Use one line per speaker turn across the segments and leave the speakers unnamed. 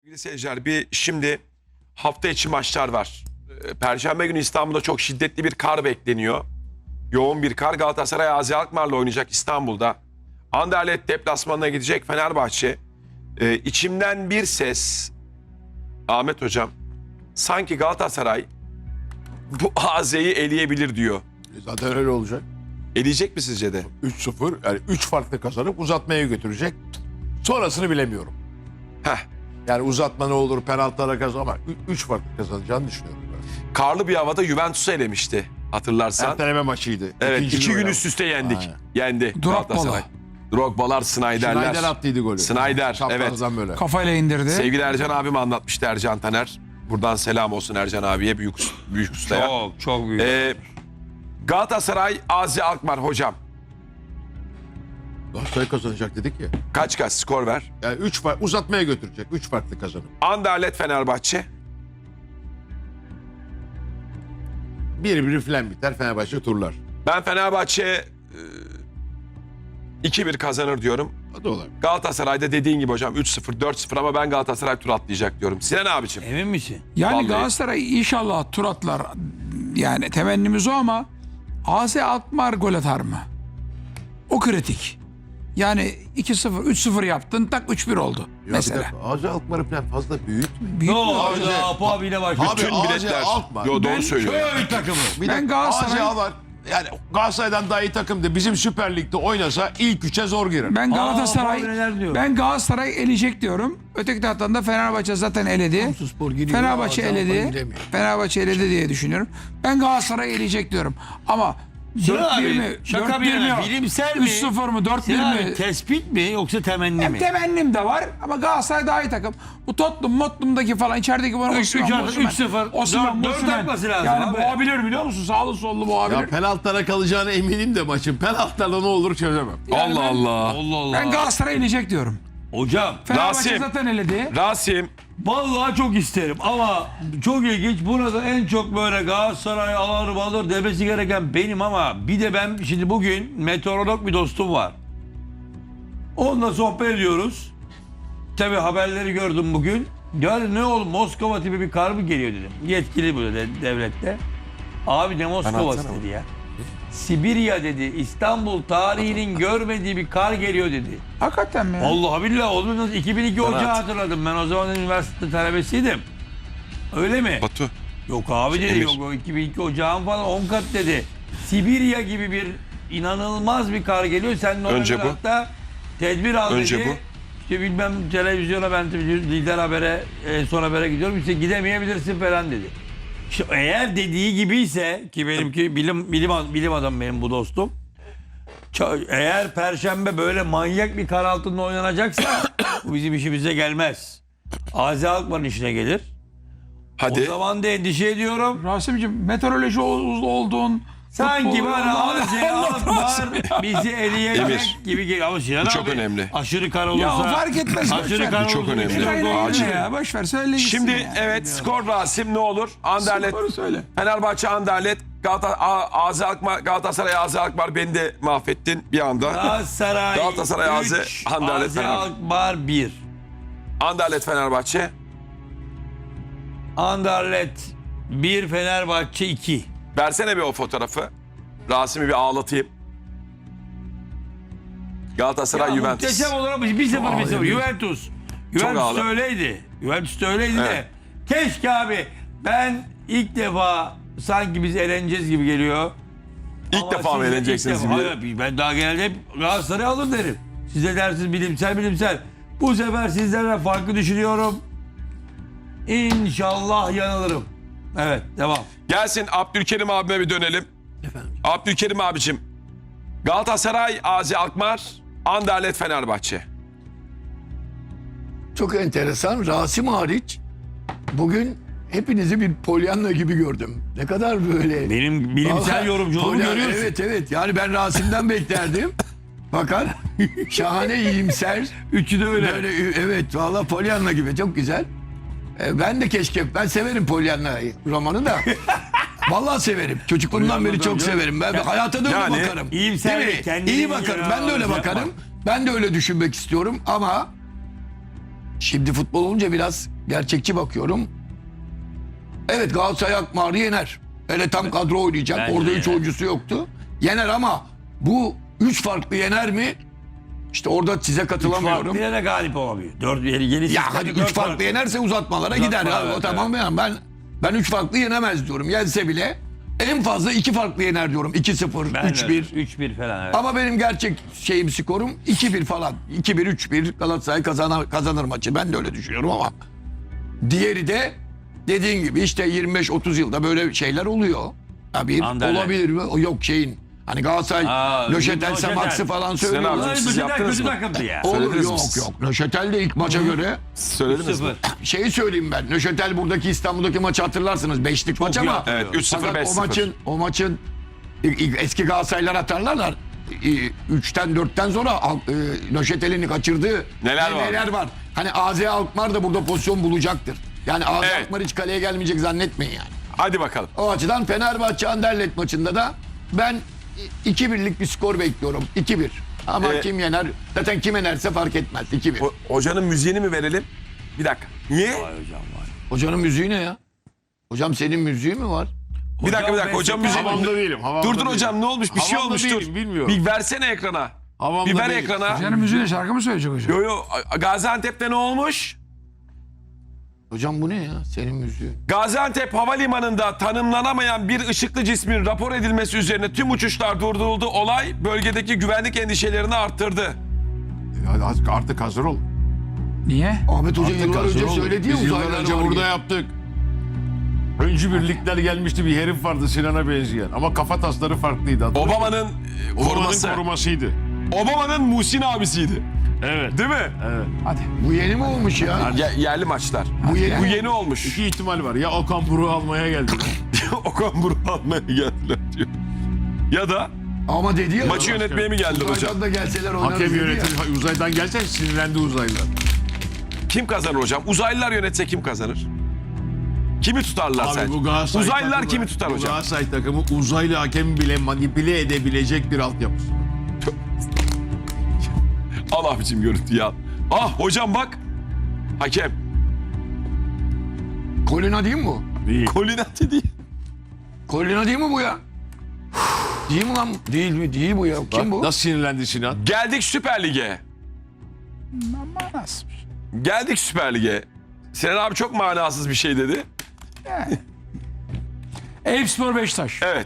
Sevgili seyirciler, şimdi hafta içi maçlar var. Perşembe günü İstanbul'da çok şiddetli bir kar bekleniyor. Yoğun bir kar. Galatasaray AZ Alkmaar'la oynayacak İstanbul'da. Anderlecht deplasmanına gidecek Fenerbahçe. İçimden bir ses, Ahmet Hocam, sanki Galatasaray bu AZ'yi eleyebilir diyor.
Zaten öyle olacak.
Eleyecek mi sizce de?
3-0 yani 3 farklı kazanıp uzatmaya götürecek. Sonrasını bilemiyorum.
Heh.
Yani uzatma ne olur, penaltılara kazan ama 3 farklı kazanacağını düşünüyorum ben.
Karlı bir havada Juventus'u elemişti hatırlarsan.
Erteleme maçıydı.
Evet,
İkinci
2
gün
gün
oynama.
üst üste yendik.
Aynen.
Yendi Galatasaray. Drogba'lar, Snyder'ler.
Snyder attıydı golü.
Snyder,
Çaprazdan böyle.
Kafayla indirdi.
Sevgili Ercan abim anlatmıştı, Ercan Taner. Buradan selam olsun Ercan abiye, büyük ustaya.
Çok büyük.
Galatasaray AZ Alkmaar hocam.
Galatasaray kazanacak dedik ya.
Kaç skor ver?
Yani 3 uzatmaya götürecek. 3 farklı kazanıp.
Anderlecht Fenerbahçe.
1-1 falan biter. Fenerbahçe turlar.
Ben Fenerbahçe 2-1 kazanır diyorum.
O da olabilir.
Galatasaray'da dediğin gibi hocam 3-0, 4-0 ama ben Galatasaray tur atlayacak diyorum. Sinan abicim.
Emin misin?
Yani
Vallahi.
Galatasaray inşallah tur atlar. Yani temennimiz o ama AZ Alkmaar gol atar mı? O kritik. Yani 2-0, 3-0 yaptın, tak 3-1 oldu
Ya
mesela.
AZ Alkmaar'ı falan fazla büyütme.
Büyük
Ne
bir-
oldu? Apo abiyle başlıyor.
Abi,
Tüm
AZ
biletler.
Alkmaar.
Yo, doğru
Ben
söylüyor. ya.
Köy takımı.
Bir
Ben
dakika,
Galatasaray-
AZ var. Yani Galatasaray'dan daha iyi takımdı. Bizim Süper Lig'de oynasa ilk 3'e zor girer.
Ben
Aa,
Galatasaray
Fabri neler diyor?
ben Galatasaray eleyecek diyorum. Öteki taraftan da Fenerbahçe zaten eledi. Fenerbahçe eledi. Fenerbahçe eledi diye düşünüyorum. Ben Galatasaray eleyecek diyorum. Ama
Sinan
4-1 mi?
abi şaka
4-1
bir
mi?
yana bilimsel mi?
3-0 mı? 4-1
Sinan
mi?
abi tespit mi yoksa temenni
Hem
mi?
temennim de var ama Galatasaray daha iyi takım. Bu Tottenham'daki falan içerideki bana
Üç artı 3-0. Dört atması lazım
Yani
abi.
boğabilir biliyor musun? Sağlı sollu
Ya
boğabilir.
penaltılara kalacağına eminim de maçın. Penaltılara ne olur çözemem.
Allah Allah.
Allah Allah.
Ben Galatasaray eleyecek diyorum.
Hocam
Fenerbahçe
Rasim.
zaten eledi.
Rasim.
vallahi çok isterim ama çok ilginç. Burada en çok böyle Galatasaray alır demesi gereken benim ama bir de ben şimdi bugün meteorolog bir dostum var. Onunla sohbet ediyoruz. Tabii haberleri gördüm bugün. Yani ne oldu Moskova tipi bir kar mı geliyor dedim. Yetkili bu dedi devlette. Abi ne Moskova'sı
atsana
dedi ya. Sibirya dedi. İstanbul tarihinin görmediği bir kar geliyor dedi.
Hakikaten mi? ya?
Allah billahi olur nasıl 2002
Bana
ocağı
at.
hatırladım. Ben o zaman üniversite talebesiydim. Öyle mi?
Batu.
Yok abi dedi
Emir.
yok o 2002 ocağın falan 10 kat dedi. Sibirya gibi bir inanılmaz bir kar geliyor. Sen
Önce
normal
bu.
hatta tedbir al
Önce
dedi.
bu.
İşte bilmem televizyona ben lider habere son habere gidiyorum. İşte gidemeyebilirsin falan dedi. İşte eğer dediği gibiyse ki benimki bilim adamı benim bu dostum. Eğer Perşembe böyle manyak bir kar altında oynanacaksa bu bizim işimize gelmez. AZ Alkmaar'ın işine gelir. O
Hadi.
zaman da endişe ediyorum.
Rasim'ciğim meteoroloji olduğun
Sanki
futbol-
bana AZ Alkmaar bizi eleyecek
Emir,
gibi geliyor. Ama Sinan
bu çok
abi,
önemli.
aşırı kar
Ya
olursa.
o fark etmez.
Aşırı kar
Bu çok
olursa
önemli.
bir şey yok.
Acil.
Ya boş ver söyle gitsin
Şimdi
ya.
evet skor Rasim ne olur? Anderlecht.
Skoru söyle.
Fenerbahçe Anderlecht. AZ Alkmaar, Galatasaray AZ Alkmaar, beni de mahvettin bir anda. Galatasaray, AZ,
3,
Anderlecht,
AZ
Fenerbahçe.
Alkmaar 1.
Anderlecht Fenerbahçe.
Anderlecht 1, Fenerbahçe 2.
Versene bir o fotoğrafı. Rasim'i bir ağlatayım. Galatasaray Juventus.
Muhteşem olarak 1-0. Juventus. Juventus
ağır.
da öyleydi. Juventus da öyleydi de.
Evet.
Keşke abi ben ilk defa sanki biz eğleneceğiz gibi geliyor.
İlk
Ama
defa mı
siz de
eğleneceksiniz?
ilk defa- Hayır, ben daha genelde hep Galatasaray alır derim. Size dersiniz bilimsel. Bu sefer sizlerle farklı düşünüyorum. İnşallah yanılırım. Evet devam.
Gelsin Abdülkerim abime bir dönelim. Abdülkerim abicim. Galatasaray AZ Alkmaar, Anderlecht Fenerbahçe.
Çok enteresan. Rasim hariç bugün hepinizi bir Pollyanna gibi gördüm. Ne kadar böyle...
Benim bilimsel
Vallahi
yorumculuğumu
Pollyanna,
görüyorsun.
Evet. Yani ben Rasim'den beklerdim. Fakat şahane iyimser.
Üçü de öyle.
Böyle, evet valla Pollyanna gibi çok güzel. Ben de keşke, ben severim Pollyanna romanı da. Vallahi severim. Çocukluğumdan beri çok severim. Ben hayata da öyle
Yani
bakarım.
iyimser
Değil mi?
kendini
İyi bakarım. Ben de öyle
yapma.
bakarım. Ben de öyle düşünmek istiyorum ama şimdi futbol olunca biraz gerçekçi bakıyorum. Evet, Galatasaray Alkmaar'ı yener. Hele tam kadro oynayacak.
Bence
Orada
de
3
yener.
oyuncusu yoktu. Yener ama bu 3 farklı yener mi? İşte orada size katılamıyorum.
Farklı yere galip olamıyor. 4 yeni
Ya hadi 3 farklı yenerse uzatmalara gider. Ya,
evet,
o tamam ya. Ben 3 farklı yenemez diyorum. Yense bile en fazla 2 farklı yener diyorum. 2-0, 3-1.
3-1 falan evet.
Ama benim gerçek skorum 2-1 falan. 2-1, 3-1 Galatasaray kazanır maçı. Ben de öyle düşünüyorum ama. Diğeri de dediğin gibi işte 25-30 yılda böyle şeyler oluyor. Ya bir
Anderlecht.
olabilir mi? Yok şeyin. Hani Galatasaray Löşetel
Löşetel.
Max'ı falan
Sinan
söylüyorlar.
abicim, siz yaptınız
kötü
mı?
takımdı ya.
Olur,
Söylediniz mi
yok
siz?
yok. Löşetel de ilk maça göre
Söylediniz mi?
0.
şeyi söyleyeyim ben. Nöşetel buradaki İstanbul'daki maçı hatırlarsınız. 5'lik maç ama.
Evet 3-0
Fakat
5-0.
o maçın eski Galatasaraylar hatırlarlar. 3'ten 4'ten sonra Nöşetel'in kaçırdığı
Neler var?
var. Hani AZ Alkmaar da burada pozisyon bulacaktır. Yani AZ
Evet.
Alkmaar hiç kaleye gelmeyecek zannetmeyin yani.
Hadi bakalım.
O açıdan Fenerbahçe Anderlecht maçında da ben 2-1'lik bir skor bekliyorum. 2-1. Ama kim yener? Zaten kim yenerse fark etmez. 2-1.
Hocanın müziğini mi verelim? Bir dakika. Niye?
Vay hocam var.
Hocanın müziği ne ya? Hocam senin müziği mi var?
Bir dakika. Hocam müziği.
Havamda değilim. Havamda
Dur
değilim.
hocam, ne olmuş? Bir şey
Havamda
olmuş,
değilim,
dur.
bilmiyorum.
Bir versene ekrana.
Havamda
Bir ver
değilim.
ekrana.
Hocanın müziğine şarkı mı söyleyecek hocam?
Yo Gaziantep'te ne olmuş?
Hocam bu ne ya? Senin müziğin.
Gaziantep Havalimanı'nda tanımlanamayan bir ışıklı cismin rapor edilmesi üzerine tüm uçuşlar durduruldu. Olay bölgedeki güvenlik endişelerini arttırdı.
Artık hazır ol.
Niye?
Ahmet Hoca
Artık
yıllar
hazır
önce
ol.
söyledi ya
Biz yıllar
uzaylılar
önce
var
burada
diye.
yaptık. Öncü birlikler gelmişti, bir herif vardı Sinan'a benzeyen. Ama kafa tasları farklıydı.
Obama'nın koruması.
Obama'nın korumasıydı.
Obama'nın Muhsin abisiydi.
Evet.
Değil mi?
Evet.
Hadi.
Bu yeni mi olmuş ya?
Yerli maçlar.
Bu yeni
Bu
mi?
yeni olmuş.
İki ihtimal var. Ya Okan Buruk'u almaya geldi.
Okan Buruk'u almaya geldiler diyor. Ya da
Ama dedi ya.
maçı yönetmeye mi geldiler hocam?
Uzaydan da gelseler oynarız
Hakem
dedi ya.
yönetim uzaydan gelse sinirlendi uzaylılar.
Kim kazanır hocam? Uzaylılar yönetse kim kazanır? Kimi tutarlar
Abi
sence?
bu Galatasaray
Uzaylılar
takımı-
kimi tutar
bu
hocam?
Galatasaray takımı uzaylı hakemi bile manipüle edebilecek bir altyapısı.
Al abicim görüntüyü al. Ah hocam bak. Hakem.
Kolina değil mi bu?
Değil.
Kolinati değil.
Kolina değil mi bu ya? Değil mi lan? Değil mi? Değil bu ya. Kim bu?
Nasıl sinirlendi Sinan?
Geldik Süper Lig'e.
Manasız.
Geldik Süper Lig'e. Sinan abi çok manasız bir şey dedi.
Eyüpspor Beşiktaş.
Evet.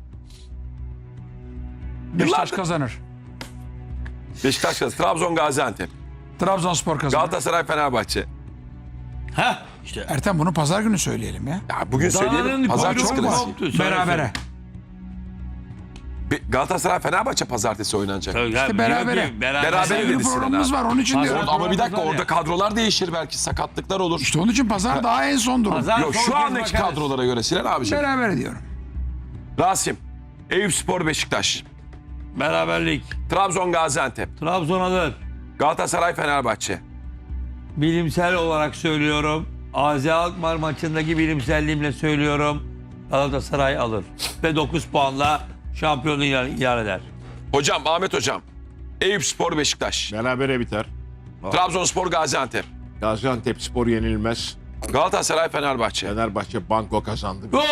Beşiktaş
Yıllardır-
kazanır.
Beşiktaş kazanır. Trabzon Gaziantep.
Trabzonspor kazanır.
Galatasaray Fenerbahçe.
Heh işte.
Ertem bunu pazar günü söyleyelim ya.
Ya bugün söyleyelim. Pazar çok klasik.
Berabere.
Galatasaray Fenerbahçe pazartesi oynanacak.
İşte berabere.
Berabere
Pazar günü
dedi Sinan
programımız
abi.
var onun için
Pazar-
diyorum.
Ama bir dakika
Pazar
orada
ya.
kadrolar değişir belki sakatlıklar olur.
İşte onun için pazar daha en son durum.
Pazar-
Yok
son
şu
kez
andaki
bakarız.
kadrolara göre Sinan abiciğim.
Berabere diyorum.
Rasim. Eyüpspor Beşiktaş.
Beraberlik.
Trabzon Gaziantep.
Trabzon alır.
Galatasaray Fenerbahçe.
Bilimsel olarak söylüyorum. AZ Alkmaar maçındaki bilimselliğimle söylüyorum. Galatasaray alır. Ve 9 puanla şampiyonluğu ilan eder.
Hocam Ahmet hocam. Eyüpspor Beşiktaş.
Berabere biter.
Trabzonspor Gaziantep.
Gaziantep Spor yenilmez.
Galatasaray Fenerbahçe.
Fenerbahçe banko kazandı.
Gol!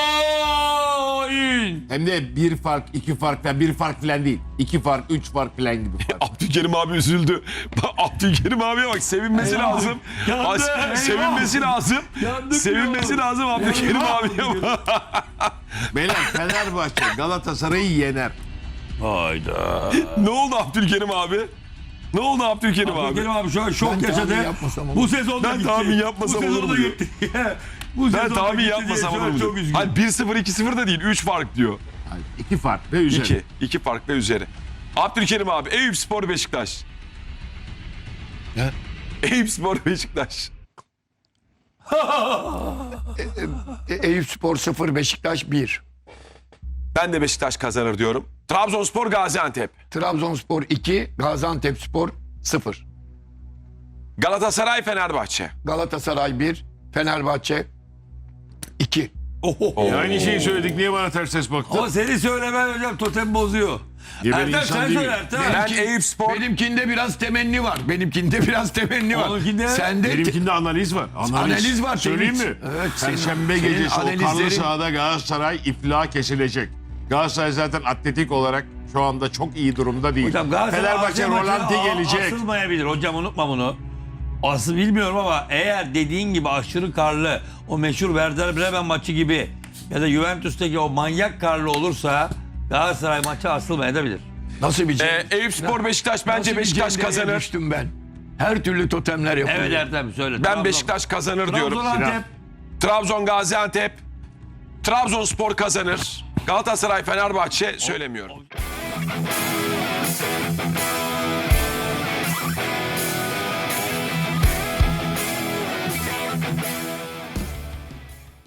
Hem de bir fark, iki fark falan, bir fark falan değil. 2 fark, 3 fark falan gibi fark.
Abdülkerim abi üzüldü. Bak, Abdülkerim abiye bak sevinmesi lazım.
Yandı,
Sevinmesi
eyvah.
lazım.
Yandık
Sevinmesi
diyor.
lazım Abdülkerim
Eyvah
abiye bak.
Beyler Fenerbahçe Galatasaray'ı yener.
Hayda.
Ne oldu Abdülkerim abi? Ne oldu Abdülkerim abi?
Abdülkerim abi şu an şok
Ben
yaşadı.
tahmin yapmasam olur.
Bu sezonda
Ben
gitti.
tahmin yapmasam
Bu
olur
sezonda
mu diyor.
gitti. Bu
Ben
sezonda
tahmin
gitti
yapmasam
diye şu
olur
an
mu?
Çok
diyor.
üzgünüm.
Hani 1-0 2-0 da değil 3 fark diyor.
2 fark ve üzeri.
2. 2 fark ve üzeri. Abdülkerim abi Eyüpspor Beşiktaş.
Ne?
Eyüpspor Beşiktaş.
Eyüpspor 0, Beşiktaş 1.
Ben de Beşiktaş kazanır diyorum. Trabzonspor Gaziantep.
Trabzonspor 2, Gaziantepspor 0.
Galatasaray Fenerbahçe.
Galatasaray 1, Fenerbahçe 2.
Aynı şeyi söyledik. Niye bana ters ses baktın?
Ama seni söylemen hocam totem bozuyor.
Geber
Ertem
insan
sen
değil.
söyle Ertem.
Ben Eyüpspor
Benimkinde biraz temenni var. Benimkinde biraz temenni var.
Onunkinde-
Sende
Benimkinde analiz var.
Analiz var,
Söyleyeyim
Tevhid.
mi?
Evet,
Perşembe
senin
gecesi o karlı
analizlerin-
sahada Galatasaray iflah kesilecek. Galatasaray zaten atletik olarak şu anda çok iyi durumda değil.
Hocam Galatasaray
Fenerbahçe
Asya maçı
Rolanti gelecek.
Asılmayabilir hocam, unutma bunu. Asıl bilmiyorum ama eğer dediğin gibi aşırı karlı o meşhur Werder Bremen maçı gibi ya da Juventus'taki o manyak karlı olursa Galatasaray maçı asılmayabilir.
nasıl bir
Eyüpspor Beşiktaş bence
nasıl bir
Beşiktaş
cendereye
kazanır.
düştüm ben. Her türlü totemler yapılıyor.
Evet Ertem söyle.
Ben Beşiktaş kazanır diyorum.
Trabzon Antep.
Trabzon Gaziantep. Trabzonspor kazanır. Galatasaray Fenerbahçe söylemiyorum.